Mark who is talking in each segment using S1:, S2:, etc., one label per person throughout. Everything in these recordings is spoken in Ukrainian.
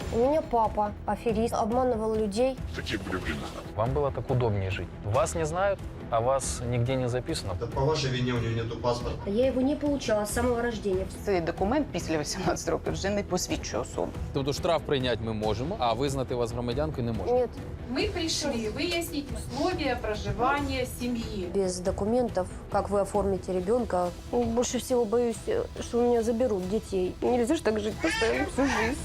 S1: У меня папа аферист, обманывал людей.
S2: Такие были времена.
S3: Вам было так удобнее жить. Вас не знают, а вас нигде не записано.
S4: Да по вашей вине у нее нету паспорта.
S1: Я его не получала с самого рождения.
S5: Цей документ після 18 років вже не посвідчує особу.
S6: Тобто штраф прийняти ми можемо, а визнати вас громадянкою не можемо.
S1: Нет,
S7: Мы пришли выяснить условия проживания семьи.
S1: без документов, как вы оформите ребенка. Больше всего боюсь, что у меня заберут детей. Нельзя же так жить постоянно всю жизнь.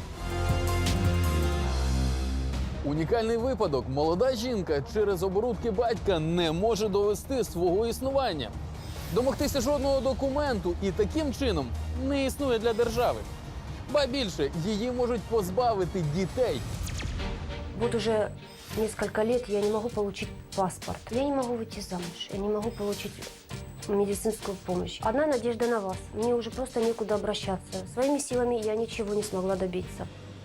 S6: Унікальний випадок. Молода жінка через оборудки батька не може довести свого існування. Домогтися жодного документу і таким чином не існує для держави. Ба більше, її можуть позбавити дітей.
S1: Вот уже несколько лет я не могу получить паспорт. Я не могу выйти замуж. Я не могу получить медицинскую помощь. Одна надежда на вас. Мне уже просто некуда обращаться. Своими силами я ничего не смогла добиться.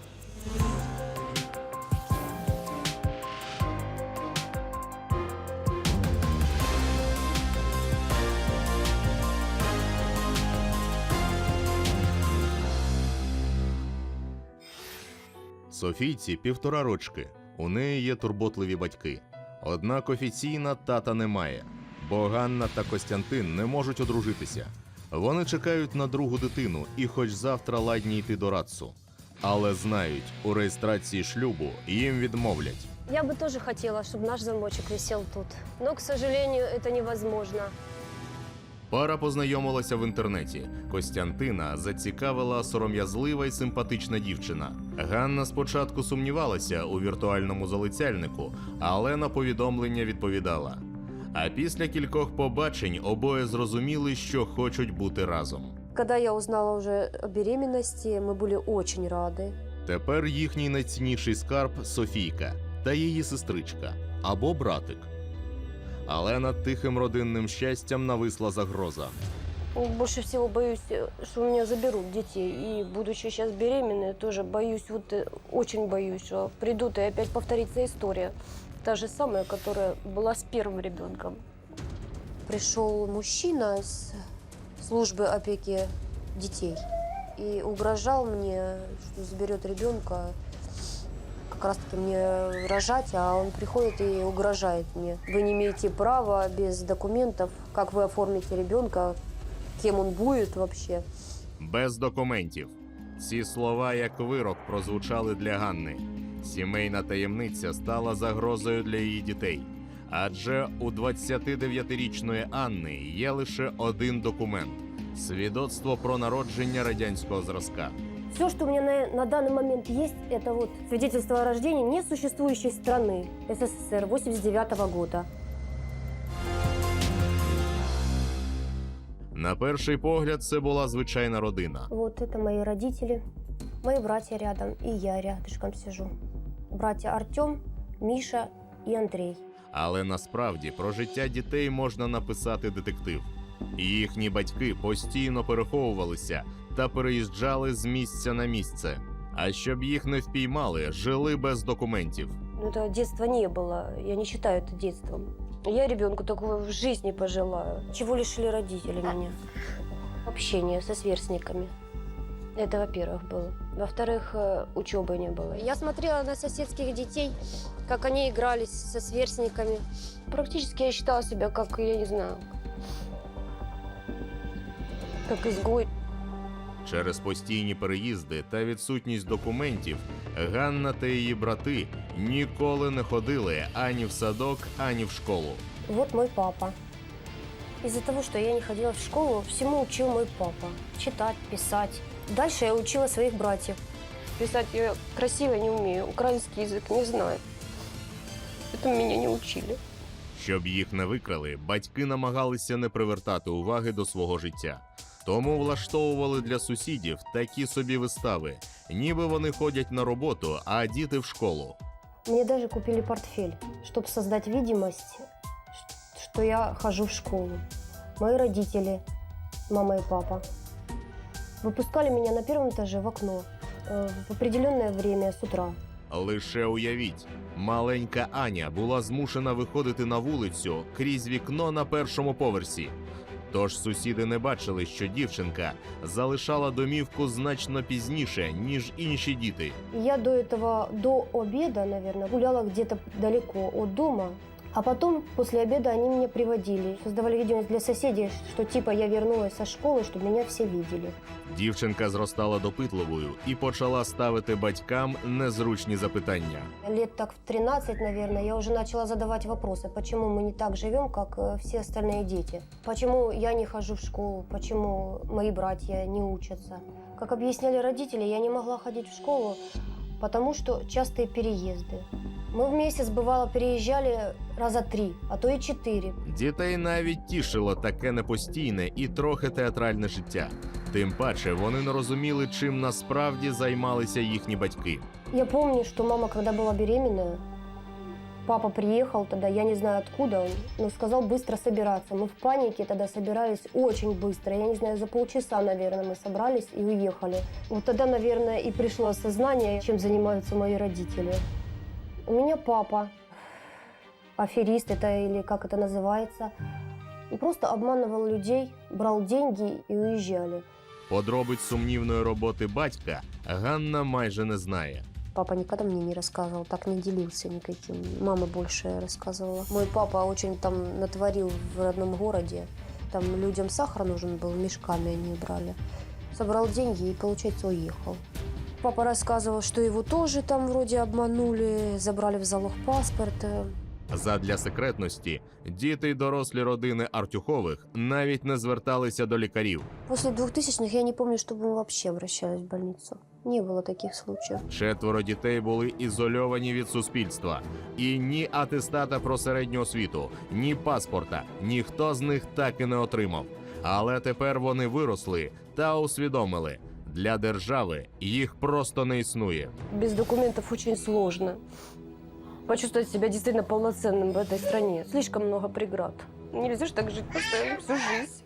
S8: Софійці 1,5 рочки. У неї є турботливі батьки. Однак офіційно тата немає, бо Ганна та Костянтин не можуть одружитися. Вони чекають на другу дитину і хоч завтра ладні йти до РАЦу. Але знають, у реєстрації шлюбу їм відмовлять.
S1: Я бы тоже хотела, чтобы наш замочек висел тут. Но, к сожалению, это невозможно.
S8: Пара познайомилася в інтернеті. Костянтина зацікавила сором'язлива й симпатична дівчина. Ганна спочатку сумнівалася у віртуальному залицяльнику, але на повідомлення відповідала. А після кількох побачень обоє зрозуміли, що хочуть бути разом.
S1: Когда я узнала уже о беременности, мы были очень рады.
S8: Тепер їхній найцінніший скарб – Софійка та її сестричка або братик. Але над тихим родинним щастям нависла загроза.
S1: Больше всего боюсь, что у меня заберут детей. И, будучи сейчас беременной, тоже боюсь, очень боюсь, что придут и опять повторится история. Та же самая, которая была с первым ребенком. Пришел мужчина с службы опеки детей и угрожал мне, что заберет ребенка. Как раз-таки мне рожать, а он приходит и угрожает мне. Вы не имеете права без документов, как вы оформите ребенка, кем он будет вообще.
S8: Без документів. Ці слова як вирок прозвучали для Ганни. Сімейна таємниця стала загрозою для її дітей. Адже у 29-річної Анни є лише один документ – свідоцтво про народження радянського зразка.
S1: Все, что у меня на данный момент есть, это вот свидетельство о рождении несуществующей страны СССР 89-го года.
S8: На перший погляд, це була звичайна родина.
S1: Вот это мои родители, мои братья рядом, и я рядышком сижу. Братья Артем, Миша и Андрей.
S8: Але насправді про життя дітей можна написати детектив. Їхні батьки постійно переховувалися та переїжджали з місця на місце. А щоб їх не впіймали, жили без документів.
S1: Ну, этого детства не было, я не считаю это детством. Я ребенку такого в жизни пожелаю. Чего лишили родители меня? Общение со сверстниками. Это, во-первых, было. Во-вторых, учебы не было. Я смотрела на соседских детей, как они игрались со сверстниками. Практически я считала себя как, я не знаю, как изгой.
S8: Через постійні переїзди та відсутність документів Ганна та її брати ніколи не ходили ані в садок, ані в школу.
S1: Вот мой папа. Из-за того, что я не ходила в школу, всему учил мой папа. Читать, писать. Дальше я учила своих братьев. Писать я красиво не умею, украинский язык не знаю. Этому меня не учили.
S8: Щоб їх не викрали, батьки намагалися не привертати уваги до свого життя. Тому влаштовували для сусідів такі собі вистави, ніби вони ходять на роботу, а діти в школу.
S1: Мне даже купили портфель, чтобы создать видимость, что я хожу в школу. Мои родители, мама и папа, выпускали меня на первом этаже в окно в определенное время с утра.
S8: Лише уявіть, маленька Аня була змушена виходити на вулицю крізь вікно на першому поверсі. Тож сусіди не бачили, що дівчинка залишала домівку значно пізніше, ніж інші діти.
S1: Я до этого, до обеда, наверное, гуляла где-то далеко от дома. А потом, после обеда, они меня приводили. Создавали видимость для соседей, что типа я вернулась со школы, чтобы меня все видели.
S8: Дівчинка зростала допитливою і почала ставити батькам незручні запитання.
S1: Лет так в 13, наверное, я уже начала задавать вопросы, почему мы не так живем, как все остальные дети. Почему я не хожу в школу, почему мои братья не учатся. Как объясняли родители, я не могла ходить в школу, потому что частые переезды. Мы в месяц, бывало, переезжали раза 3, а то и 4.
S8: Дітей навіть тішило таке непостійне і трохи театральне життя. Тим паче вони не розуміли, чим насправді займалися їхні батьки.
S1: Я помню, что мама, когда была беременная, папа приехал тогда, я не знаю откуда он, но сказал быстро собираться. Мы в панике тогда собирались очень быстро. Я не знаю, за полчаса, наверное, мы собрались и уехали. Вот тогда, наверное, и пришло осознание, чем занимаются мои родители. У меня папа, аферист это или как это называется, и просто обманывал людей, брал деньги и уезжали.
S8: Подробиць сумнівної роботи батька Ганна майже не знає.
S1: Папа никогда мне не рассказывал, так не делился никаким. Мама больше рассказывала. Мой папа очень там натворил в родном городе. Там людям сахар нужен был, мешками они брали. Собрал деньги и, получается, уехал. Папа рассказывал, что его тоже там вроде обманули, забрали в залог паспорт.
S8: Задля секретності діти й дорослі родини Артюхових навіть не зверталися до лікарів.
S1: После 2000-х я не помню, чтобы мы вообще обращались в больницу. Не было таких случаев.
S8: 4 дітей були ізольовані від суспільства. І ні атестата про середню освіту, ні паспорта ніхто з них так і не отримав. Але тепер вони виросли та усвідомили – для держави їх просто не існує.
S1: Без документов очень сложно почувствовать себя действительно полноценным в этой стране. Слишком много преград. Нельзя же так жить постоянно всю жизнь.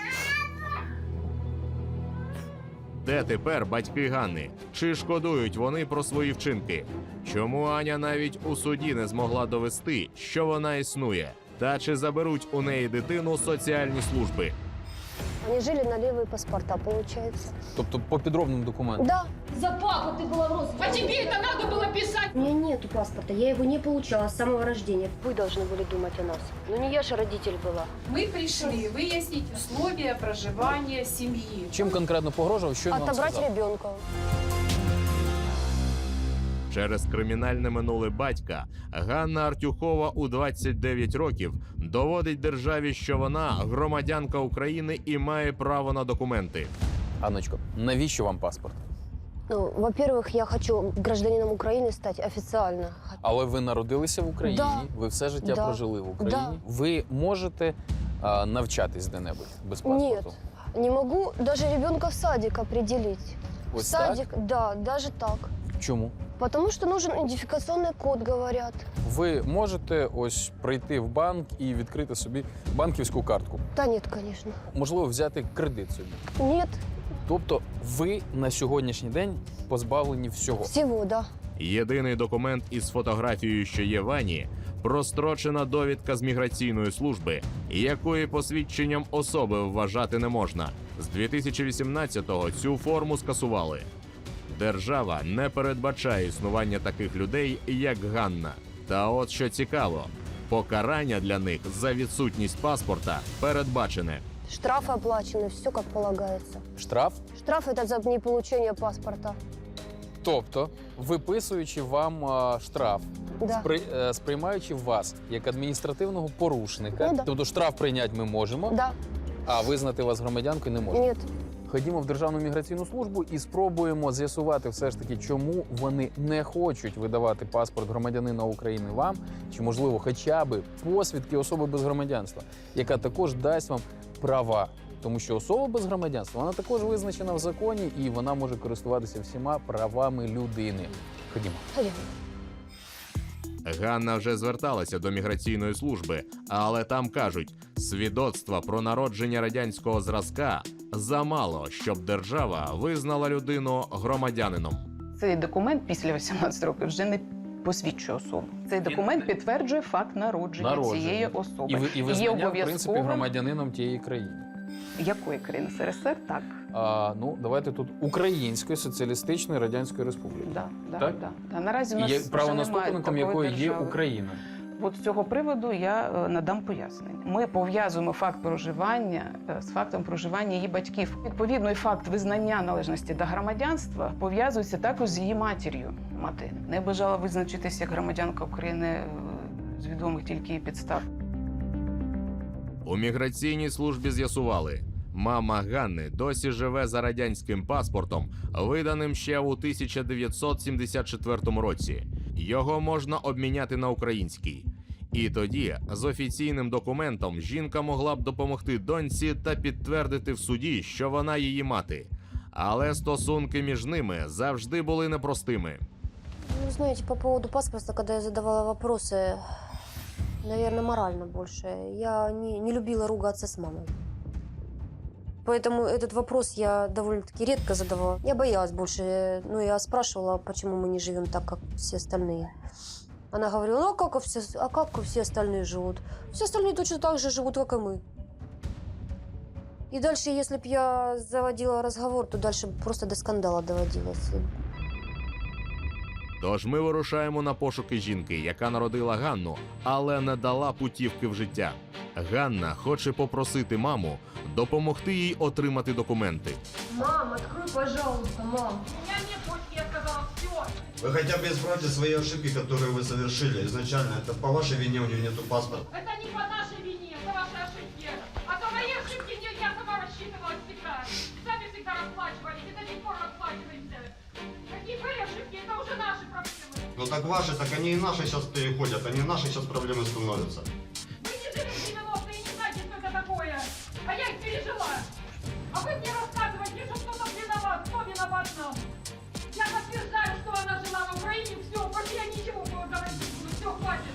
S8: Де тепер батьки Ганни? Чи шкодують вони про свої вчинки? Чому Аня навіть у суді не змогла довести, що вона існує? Та чи заберуть у неї дитину соціальні служби?
S1: Они жили на левые паспорта, получается.
S6: Тобто по підробним документам?
S1: Да. За папу ты была в розыске.
S7: А тебе это надо было писать?
S1: У меня нету паспорта, я его не получала с самого рождения. Вы должны были думать о нас. Но не я же родитель была.
S7: Мы пришли выяснить условия проживания семьи.
S6: Чим конкретно погрожував, що він вам
S1: Отобрать
S6: сказав?
S1: ребенка.
S8: Через кримінальне минуле батька Ганна Артюхова у 29 років доводить державі, що вона громадянка України і має право на документи.
S6: Анночко, навіщо вам паспорт?
S1: Ну, во-первых, я хочу гражданином Украины стать официально.
S6: Але ви народилися в Україні,
S1: Да.
S6: ви все життя
S1: Да.
S6: прожили в Україні.
S1: Да.
S6: Ви можете навчатись де-небудь без
S1: Нет,
S6: паспорту?
S1: не могу даже ребенка в садик определить.
S6: Ось
S1: в садик, да, даже так.
S6: Чому?
S1: Потому что нужен идентификационный код, говорят.
S6: Ви можете ось прийти в банк і відкрити собі банківську картку.
S1: Да нет, конечно.
S6: Можливо, взяти кредит собі.
S1: Нет,
S6: Тобто ви на сьогоднішній день позбавлені всього.
S1: всего, да.
S8: Єдиний документ із фотографією, що є в Ані – прострочена довідка з міграційної служби, якої посвідченням особи вважати не можна. З 2018-го цю форму скасували. Держава не передбачає існування таких людей, як Ганна. Та от що цікаво, покарання для них за відсутність паспорта передбачене.
S1: Штрафы оплачены, все как полагается.
S6: Штраф?
S1: Штраф это за неполучение паспорта.
S6: Тобто, виписуючи вам штраф,
S1: Да.
S6: сприймаючи вас як адміністративного порушника,
S1: Ну да.
S6: тобто штраф прийняти ми можемо,
S1: Да,
S6: а визнати вас громадянкою не можемо.
S1: нет.
S6: Ходімо в Державну міграційну службу і спробуємо з'ясувати все ж таки, чому вони не хочуть видавати паспорт громадянина України вам, чи, можливо, хоча б посвідки особи без громадянства, яка також дасть вам права. Тому що особа без громадянства, вона також визначена в законі, і вона може користуватися всіма правами людини. Ходімо.
S1: Ходим.
S8: Ганна вже зверталася до міграційної служби, але там кажуть, свідоцтва про народження радянського зразка замало, щоб держава визнала людину громадянином.
S5: Цей документ після 18 років вже не посвідчує особу. Цей документ підтверджує факт народження цієї особи.
S6: І
S5: Є
S6: визнання, в принципі,
S5: обов'язковим
S6: громадянином тієї країни.
S5: Якої країни? СРСР? Так.
S6: Ну, давайте тут Української Соціалістичної Радянської Республіки. Так?
S5: Да. Наразі у нас
S6: Є
S5: вже
S6: правонаступником
S5: немає
S6: якої
S5: такої
S6: є
S5: держави.
S6: Україна.
S5: От з цього приводу я надам пояснення. Ми пов'язуємо факт проживання з фактом проживання її батьків. Відповідно, і факт визнання належності до громадянства пов'язується також з її матір'ю. Мати не бажала визначитися як громадянка України з відомих тільки її підстав.
S8: У міграційній службі з'ясували, мама Ганни досі живе за радянським паспортом, виданим ще у 1974 році. Його можна обміняти на український. І тоді з офіційним документом жінка могла б допомогти доньці та підтвердити в суді, що вона її мати. Але стосунки між ними завжди були непростими.
S1: Ну, знаете, по поводу паспорта, когда я задавала вопросы, наверное, морально больше. Я не любила ругаться с мамой. Поэтому этот вопрос я довольно-таки редко задавала. Я боялась больше. Ну, я спрашивала, почему мы не живем так, как все остальные. Она говорила, ну, а как все остальные живут? Все остальные точно так же живут, как и мы. И дальше, если бы я заводила разговор, то дальше просто до скандала доводилось.
S8: Тож ми вирушаємо на пошуки жінки, яка народила Ганну, але не дала путівки в життя. Ганна хоче попросити маму допомогти їй отримати документи.
S1: Мам, открой, пожалуйста, мам.
S7: У меня нет почки, я сказала, все.
S4: Вы хотя бы исправьте свои ошибки, которые вы совершили изначально. Это по вашей вине у нее нету паспорта.
S7: Это не по нашей вине, это ваши ошибки. А то мои ошибки я сама рассчитывала всегда. Сами всегда расплачивались, и до сих пор расплачиваемся. Какие были ошибки, это уже наши проблемы.
S4: Ну так ваши, так они и наши сейчас переходят, они наши сейчас проблемы становятся.
S7: Вы не жили в 90-е и не знаете, что это такое. А я их пережила. А вы мне рассказываете, что кто-то виноват. Кто виноват нам? Я подтверждаю, что она жила в Украине. Все, больше я ничего говорить не буду. Все, хватит.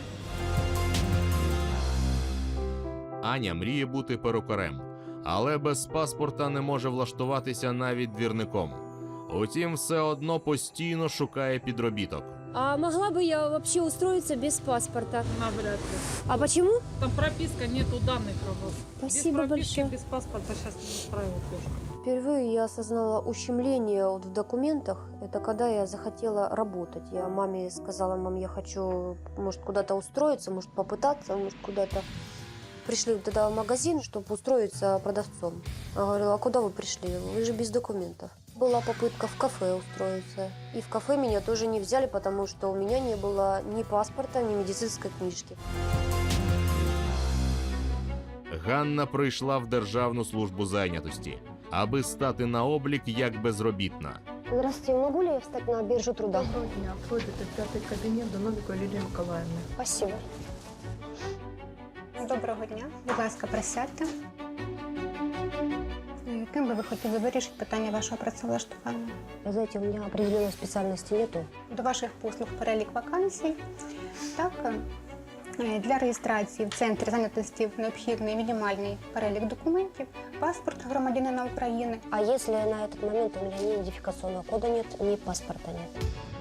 S8: Аня мріє бути перукарем, але без паспорта не може влаштуватися навіть двірником. Утім, все одно постійно шукає підробіток.
S2: А могла бы я вообще устроиться без паспорта?
S9: Навряд ли.
S2: А почему?
S9: Там прописка, нету данных работ.
S2: Спасибо
S9: без прописки,
S2: большое.
S9: без паспорта сейчас не устраивает тоже.
S1: Впервые я осознала ущемление вот в документах. Это когда я захотела работать. Я маме сказала, мам, я хочу, может, куда-то устроиться, может, попытаться, может, куда-то. Пришли тогда в магазин, чтобы устроиться продавцом. Я говорила, а куда вы пришли? Вы же без документов. Была попытка в кафе устроиться. И в кафе меня тоже не взяли, потому что у меня не было ни паспорта, ни медицинской книжки.
S8: Ганна прийшла в Державну службу зайнятості, аби стати на облік як безробітна.
S1: Здравствуйте, могу ли я встать на биржу труда?
S9: Доброго дня. Пройдете в 5-й кабінет до Новікої Лілії Миколаївни.
S1: Спасибо.
S10: Доброго дня. Будь ласка, присядьте. Ким би ви хотіли вирішити питання вашого працевлаштування?
S1: Вы знаете, у меня определенной специальности нету.
S10: До ваших послуг перелік вакансій. Так, для реєстрації в центрі зайнятості необхідний мінімальний перелік документів, паспорт громадянина України.
S1: А если на этот момент у меня ни идентификационного кода нет, ни паспорта нет?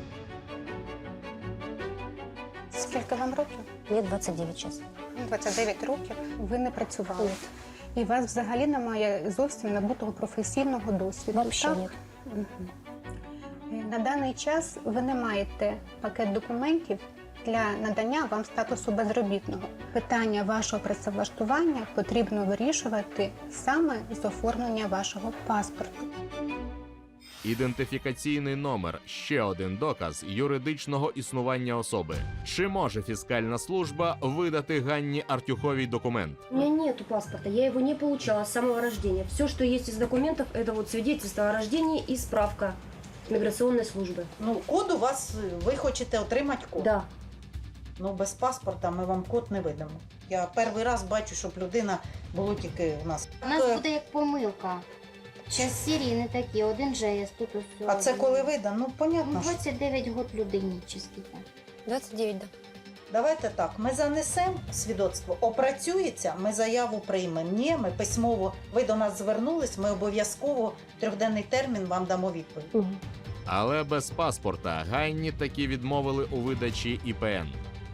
S10: Скільки вам років?
S1: Мне 29 сейчас.
S10: 29 років. Ви не працювали. І у вас взагалі немає зовсім набутого професійного досвіду.
S1: Вообще
S10: так?
S1: нет.
S10: Мгм. На даний час ви не маєте пакет документів для надання вам статусу безробітного. Питання вашого працевлаштування потрібно вирішувати саме з оформлення вашого паспорту.
S8: Ідентифікаційний номер – ще один доказ юридичного існування особи. Чи може фіскальна служба видати Ганні Артюховій документ?
S2: У меня нету паспорта, я его не получала с самого рождения. Все, что есть из документов, это вот свидетельство о рождении и справка миграционной службы.
S11: Ну, код у вас, ви хочете отримати код?
S2: Да.
S11: Ну, без паспорта ми вам код не видамо. Я перший раз бачу, щоб людина було тільки у нас.
S12: У нас буде як помилка. Час серії не такі, один ЖС, тут усе.
S11: А це коли видано? Ну, понятно.
S12: Ну,
S11: що.
S12: 29 год людині, чи скільки.
S1: 29, да.
S11: Давайте так, ми занесемо свідоцтво, опрацюється, ми заяву приймемо. Ні, ми письмово, ви до нас звернулись, ми обов'язково в 3-денний термін вам дамо відповідь.
S8: Але без паспорта Ганні таки відмовили у видачі ІПН.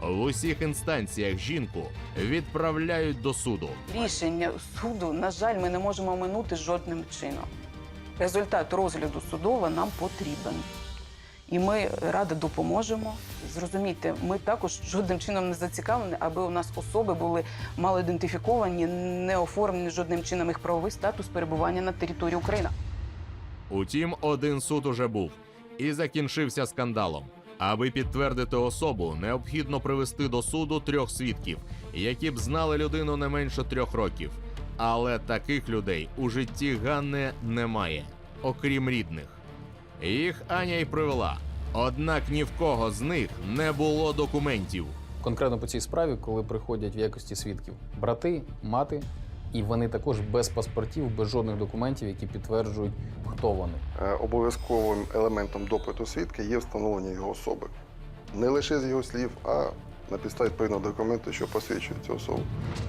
S8: В усіх інстанціях жінку відправляють до суду.
S5: Рішення суду, на жаль, ми не можемо оминути жодним чином. Результат розгляду судового нам потрібен. І ми радо допоможемо. Зрозумійте, ми також жодним чином не зацікавлені, аби у нас особи були малоідентифіковані, не оформлені жодним чином їх правовий статус перебування на території України.
S8: Утім, один суд уже був і закінчився скандалом. Аби підтвердити особу, необхідно привести до суду 3 свідків, які б знали людину не менше 3 років. Але таких людей у житті Ганни немає, окрім рідних. Їх Аня й привела. Однак ні в кого з них не було документів.
S3: Конкретно по цій справі, коли приходять в якості свідків брати, мати, і вони також без паспортів, без жодних документів, які підтверджують, хто вони.
S13: Обов'язковим елементом допиту свідка є встановлення його особи. Не лише з його слів, а на підставі відповідного документу, що посвідчує цю особу.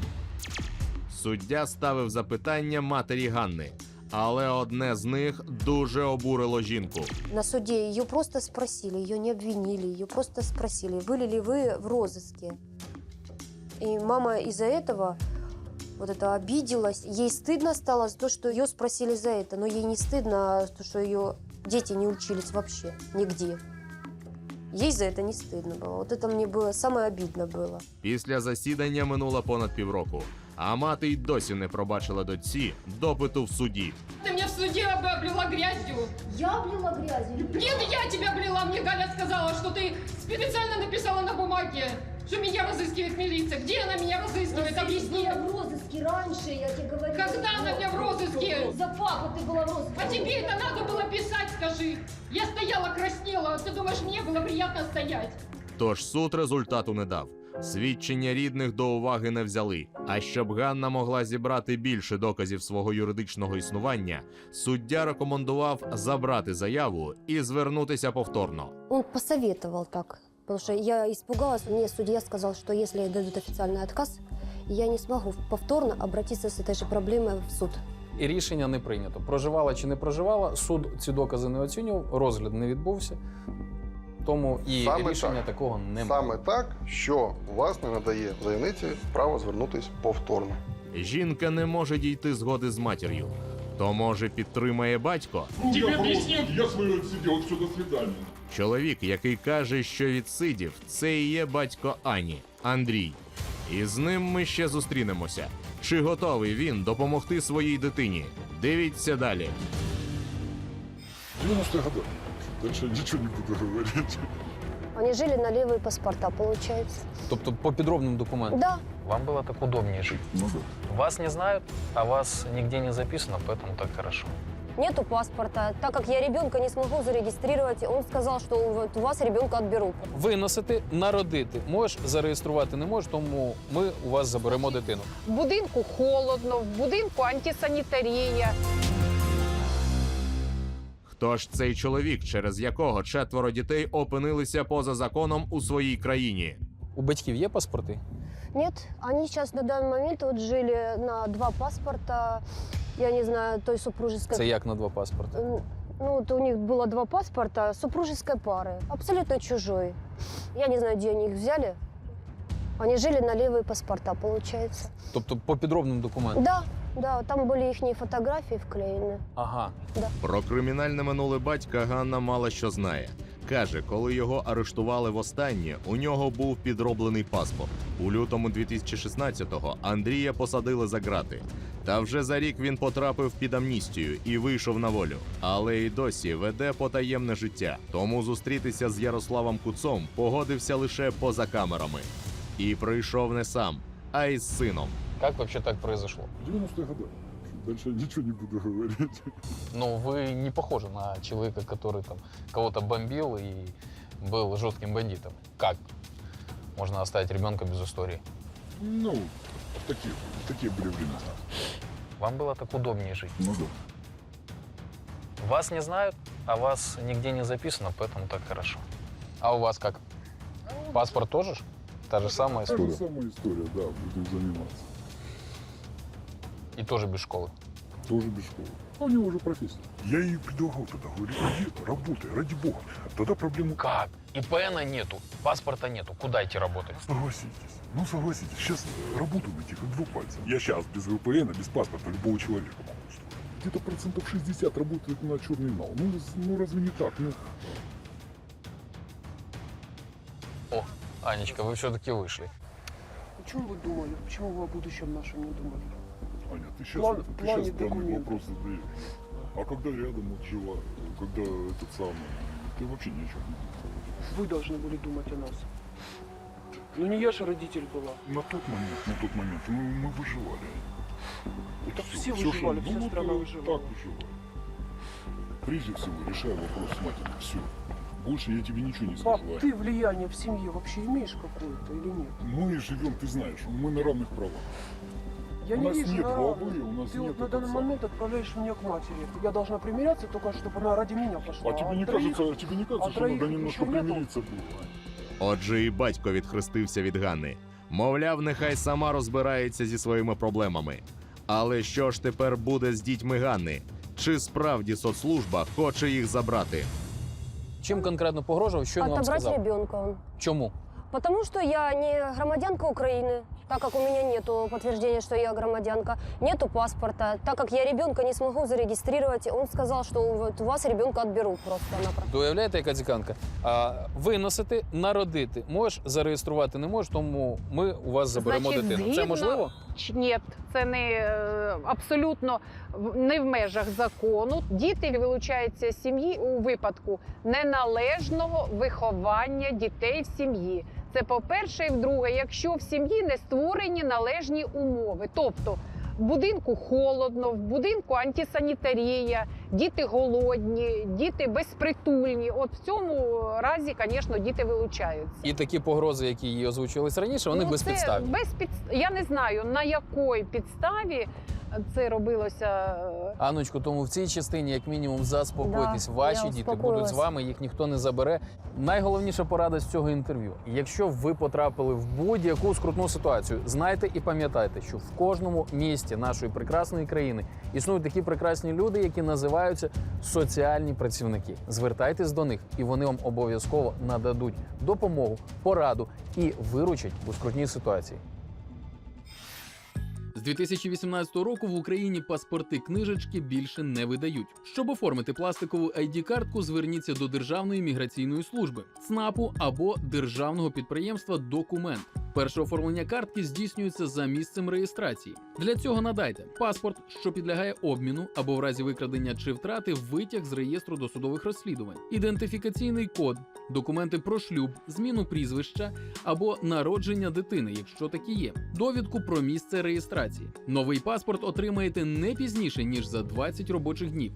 S8: Суддя ставив запитання матері Ганни, але одне з них дуже обурило жінку.
S1: На суде ее просто спросили, ее не обвинили, ее просто спросили, были ли вы в розыске. И мама из-за этого вот это обиделась. Ей стыдно стало за то, что ее спросили за это, но ей не стыдно, что ее дети не учились вообще нигде. Ей за это не стыдно было. Вот это мне было самое обидно было.
S8: Після засідання минуло понад півроку, а мати й досі не пробачила дочці допиту в суді.
S7: Ты меня в суде облила грязью.
S2: Я облила грязью?
S7: Нет, я тебя облила. Мне Галя сказала, что ты специально написала на бумаге, что меня разыскивает милиция. Где она меня разыскивает? Объясни.
S2: Я была в розыске раньше, я тебе говорю.
S7: Когда она меня в розыске?
S2: За папу ты была в розыске.
S7: А тебе это надо было писать, скажи. Я стояла, краснела. Ты думаешь, мне было приятно стоять?
S8: Тож суд результату не дав. Свідчення рідних до уваги не взяли. А щоб Ганна могла зібрати більше доказів свого юридичного існування, суддя рекомендував забрати заяву і звернутися повторно.
S1: Он посоветовал так, потому что я испугалась. Мне судья сказал, что если дадут официальный отказ, я не смогу повторно обратиться с этой же проблемой в суд.
S3: І рішення не прийнято. Проживала чи не проживала, суд ці докази не оцінював, розгляд не відбувся. Тому і
S13: Саме
S3: рішення
S13: так.
S3: такого немає.
S13: Саме так, що вас не надає заявниці право звернутися повторно.
S8: Жінка не може дійти згоди з матір'ю. То, може, підтримає батько?
S14: Тебе объяснят. Я свое отсидел, все, до свидания.
S8: Чоловік, який каже, що відсидів, це і є батько Ані, Андрій. І з ним ми ще зустрінемося. Чи готовий він допомогти своїй дитині? Дивіться далі.
S14: 90-е годы. Дальше ничего не буду говорить.
S1: Они жили на левые паспорта, получается.
S3: Тобто по підробним документам?
S1: Да.
S3: Вам было так удобнее жить.
S14: Ну да.
S3: Вас не знают, а вас нигде не записано, поэтому так хорошо.
S1: Нету паспорта. Так как я ребенка не смогу зарегистрировать, он сказал, что вот у вас ребенка отберут.
S3: Виносити, народити. Можеш зареєструвати не можеш, тому ми у вас заберемо дитину.
S7: В будинку холодно, в будинку антисанітарія.
S8: Хто ж цей чоловік, через якого 4 дітей опинилися поза законом у своїй країні?
S3: У батьків є паспорти?
S1: Нет, они сейчас на данный момент вот жили на 2 паспорта, я не знаю, той супружеской...
S3: Це як на 2 паспорти?
S1: Ну, вот у них было 2 паспорта супружеской пары, абсолютно чужой. Я не знаю, где они их взяли. Они жили на левые паспорта, получается.
S3: Тобто по підробним документам?
S1: Да, там были их фотографии вклеены.
S3: Ага.
S1: Да.
S8: Про кримінальне минуле батька Ганна мало що знає. Каже, коли його арештували востаннє, у нього був підроблений паспорт. У лютому 2016-го Андрія посадили за ґрати. Та вже за рік він потрапив під амністію і вийшов на волю. Але й досі веде потаємне життя. Тому зустрітися з Ярославом Куцом погодився лише поза камерами. І прийшов не сам, а й з сином.
S3: Как вообще так произошло?
S14: 90-е годы. Дальше ничего не буду говорить.
S3: Ну, вы не похожи на человека, который там кого-то бомбил и был жестким бандитом. Как можно оставить ребенка без истории?
S14: Ну, такие были времена.
S3: Вам было так удобнее жить.
S14: Ну да.
S3: Вас не знают, а вас нигде не записано, поэтому так хорошо. А у вас как? Паспорт тоже? Та же самая
S14: Та же
S3: история?
S14: самая история, да, будем заниматься.
S3: И тоже без школы?
S14: Тоже без школы. у него уже профессия. Я ей предлагал тогда, говорю, иди, работай, ради бога. Тогда проблему...
S3: Как? ИПНа нету, паспорта нету. Куда идти работать?
S14: Согласитесь. Ну, согласитесь, сейчас работу найти как два пальца. Я сейчас без ВПН, без паспорта любого человека могу устроить. Где-то процентов 60 работает на черный нал. Ну разве не так? Ну...
S3: О, Анечка, вы все-таки вышли.
S9: О чем вы думали? Почему вы о будущем нашем не думали?
S14: Аня, ты сейчас,
S9: План-
S14: ты
S9: плане
S14: сейчас данный
S9: документов.
S14: вопрос задаешь. А когда рядом вот жила, когда этот самый, ты вообще ни о чем не думаешь.
S9: Вы должны были думать о нас. Ну не я же родитель была.
S14: На тот момент мы выживали. Вот
S9: Так
S14: всё,
S9: все
S14: всё,
S9: выживали,
S14: что-
S9: вся
S14: ну,
S9: страна
S14: вот
S9: выживала.
S14: Так выживали. Прежде всего, решай вопрос с матерью. Все. Больше я тебе ничего не
S9: Пап,
S14: скажу. Ань.
S9: ты влияние в семье вообще имеешь какое-то или нет?
S14: Мы живем, ты знаешь, мы на равных правах.
S9: Я
S14: У
S9: не
S14: нас
S9: вижу
S14: нет
S9: на
S14: главы,
S9: равных.
S14: у нас
S9: Ты
S14: нет
S9: вот на
S14: этого
S9: данный
S14: самого.
S9: момент отправляешь меня к матери. Я должна примиряться только, чтобы она ради меня пошла.
S14: А тебе не
S9: троих-
S14: кажется, что надо
S9: троих
S14: немножко
S9: еще нету?
S14: примириться было?
S8: Отже, і батько відхрестився від Ганни. Мовляв, нехай сама розбирається зі своїми проблемами. Але що ж тепер буде з дітьми Ганни? Чи справді соцслужба хоче їх забрати?
S3: Чим конкретно погрожував, що він вам
S1: Отобрать
S3: сказав?
S1: ребенка он.
S3: Чому?
S1: Потому что я не громадянка Украины, так как у меня нету подтверждения, что я громадянка, нету паспорта, так как я ребенка не смогу зарегистрировать, он сказал, что вот у вас ребенка отберут просто-напросто.
S3: Ви уявляєте, яка ціканка? Виносити, народити. Можеш зареєструвати не можеш, тому ми у вас заберемо
S7: Значить,
S3: дитину. Це
S7: згідно-
S3: можливо?
S7: Ні, це не абсолютно не в межах закону. Діти вилучаються з сім'ї у випадку неналежного виховання дітей в сім'ї. Це по-перше, і вдруге, якщо в сім'ї не створені належні умови, тобто в будинку холодно, в будинку антисанітарія, діти голодні, діти безпритульні. От в цьому разі, звісно, діти вилучаються.
S3: І такі погрози, які її озвучувались раніше, вони безпідставні.
S7: Я не знаю, на якій підставі це робилося.
S3: Анночко, тому в цій частині, як мінімум, заспокойтесь.
S1: Да,
S3: Ваші
S1: я
S3: діти будуть
S1: успокоїлась.
S3: з вами, їх ніхто не забере. Найголовніша порада з цього інтерв'ю. Якщо ви потрапили в будь-яку скрутну ситуацію, знайте і пам'ятайте, що в кожному місті нашої прекрасної країни існують такі прекрасні люди, які називаються соціальні працівники. Звертайтесь до них, і вони вам обов'язково нададуть допомогу, пораду і виручать у скрутній ситуації.
S6: З 2018 року в Україні паспорти-книжечки більше не видають. Щоб оформити пластикову ID-картку, зверніться до Державної міграційної служби, ЦНАПу або державного підприємства «Документ». Перше оформлення картки здійснюється за місцем реєстрації. Для цього надайте паспорт, що підлягає обміну, або в разі викрадення чи втрати витяг з реєстру досудових розслідувань, ідентифікаційний код, документи про шлюб, зміну прізвища або народження дитини, якщо такі є, довідку про місце реєстрації. Новий паспорт отримаєте не пізніше, ніж за 20 робочих днів.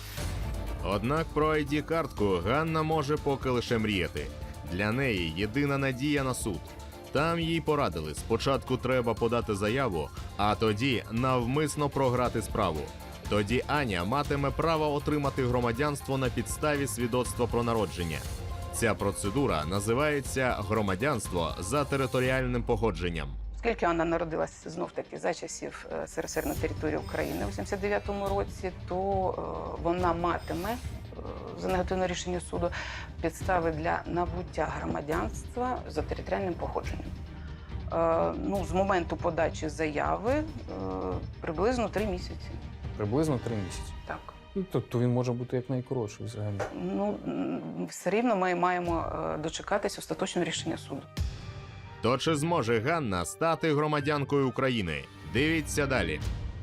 S8: Однак про ID-картку Ганна може поки лише мріяти. Для неї єдина надія на суд. Там їй порадили, спочатку треба подати заяву, а тоді навмисно програти справу. Тоді Аня матиме право отримати громадянство на підставі свідоцтва про народження. Ця процедура називається громадянство за територіальним походженням.
S5: Оскільки Анна народилася знов-таки за часів СРСР на території України у 79-му році, то вона матиме за негативне рішення суду підстави для набуття громадянства за територіальним походженням. З моменту подачі заяви приблизно 3 місяці.
S3: Приблизно 3 місяці.
S5: Так.
S3: Тобто він може бути як найкоротший взагалі.
S5: Все рівно ми маємо дочекатись остаточного рішення суду.
S8: То чи зможе Ганна стати громадянкою України? Дивіться далі.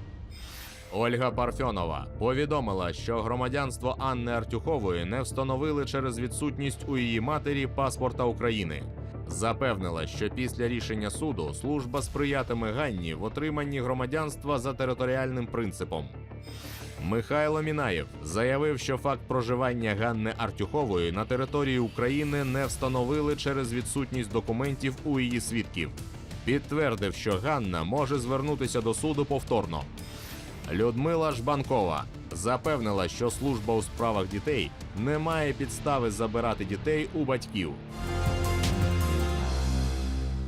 S8: Ольга Парфьонова повідомила, що громадянство Анни Артюхової не встановили через відсутність у її матері паспорта України. Запевнила, що після рішення суду служба сприятиме Ганні в отриманні громадянства за територіальним принципом. Михайло Мінаєв заявив, що факт проживання Ганни Артюхової на території України не встановили через відсутність документів у її свідків. Підтвердив, що Ганна може звернутися до суду повторно. Людмила Жбанкова запевнила, що служба у справах дітей не має підстави забирати дітей у батьків.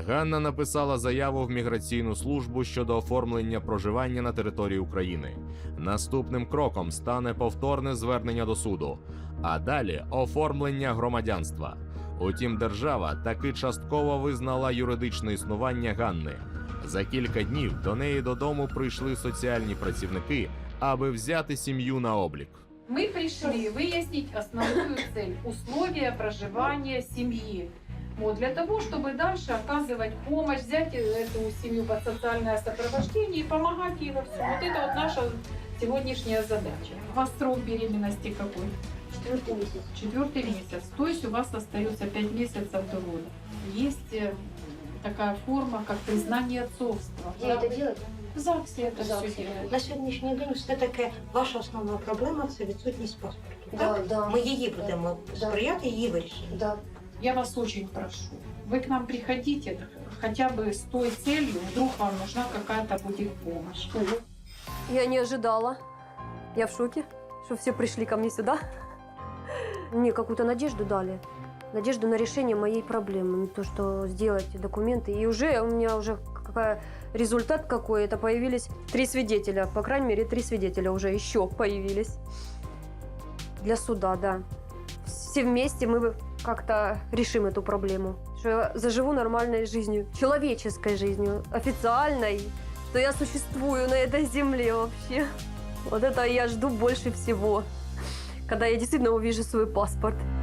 S8: Ганна написала заяву в міграційну службу щодо оформлення проживання на території України. Наступним кроком стане повторне звернення до суду, а далі оформлення громадянства. Утім, держава таки частково визнала юридичне існування Ганни. За кілька днів до неї додому прийшли соціальні працівники, аби взяти сім'ю на облік.
S7: Мы пришли выяснить основную цель – условия проживания семьи. Вот, для того, чтобы дальше оказывать помощь, взять эту семью под социальное сопровождение и помогать ей во всем. Вот это вот наша сегодняшняя задача. У вас срок беременности какой?
S2: 4-й месяц.
S7: 4-й месяц. То есть у вас остается 5 месяцев до рода. Есть такая форма, как признание отцовства.
S2: Где это делать?
S7: В ЗАГСе это
S2: В ЗАГСе.
S7: все делают.
S15: На сьогоднішній день все таки ваша основна проблема це відсутність паспорту.
S2: Да,
S15: Так?
S2: да.
S15: Ми її будемо сприяти, її вирішенню.
S2: Да.
S7: Я вас очень прошу, вы к нам приходите хотя бы с той целью, вдруг вам нужна какая-то будет помощь.
S1: Я не ожидала. Я в шоке, что все пришли ко мне сюда. Мне какую-то надежду дали. Надежду на решение моей проблемы. То, что сделать документы. И уже у меня уже результат какой. Это появились 3 свидетеля. По крайней мере, 3 свидетеля уже еще появились. Для суда, да. Все вместе мы как-то решим эту проблему. Что я заживу нормальной жизнью. Человеческой жизнью. Официальной. Что я существую на этой земле вообще. Вот это я жду больше всего. Когда я действительно увижу свой паспорт.